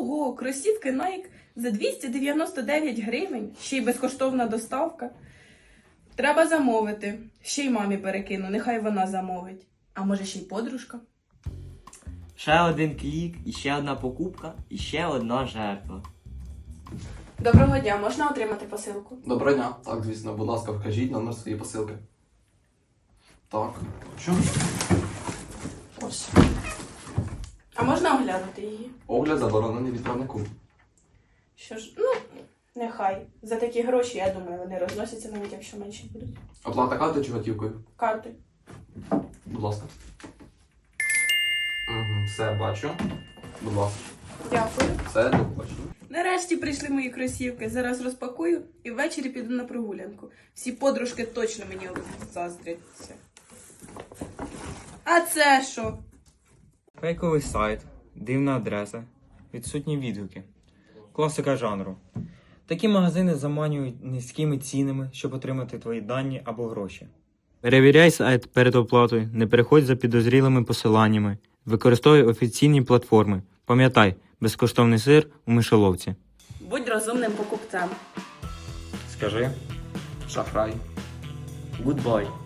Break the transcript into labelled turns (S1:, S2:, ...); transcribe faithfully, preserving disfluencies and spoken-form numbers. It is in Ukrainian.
S1: Ого, кросівки Nike за двісті дев'яносто дев'ять гривень, ще й безкоштовна доставка. Треба замовити. Ще й мамі перекину, нехай вона замовить. А може ще й подружка?
S2: Ще один клік, і ще одна покупка, і ще одна жертва.
S1: Доброго дня, можна отримати посилку?
S3: Доброго дня. Так, звісно, будь ласка, вкажіть номер своєї посилки. Так, що? Ось.
S1: А можна оглянути її?
S3: Огляд заборонений відправнику.
S1: Що ж, ну, нехай. За такі гроші, я думаю, вони розносяться, навіть якщо менші будуть.
S3: Оплата карти чи готівкою?
S1: Карти.
S3: Будь ласка. Угу, все, бачу. Будь ласка.
S1: Дякую.
S3: Все, до побачення.
S1: Нарешті прийшли мої кросівки. Зараз розпакую і ввечері піду на прогулянку. Всі подружки точно мені заздряться. А це що?
S4: Фейковий сайт, дивна адреса, відсутні відгуки. Класика жанру. Такі магазини заманюють низькими цінами, щоб отримати твої дані або гроші. Перевіряй сайт перед оплатою, не переходь за підозрілими посиланнями, використовуй офіційні платформи. Пам'ятай, безкоштовний сир у мишоловці.
S1: Будь розумним покупцем.
S4: Скажи.
S3: Шахрай.
S2: Гудбай.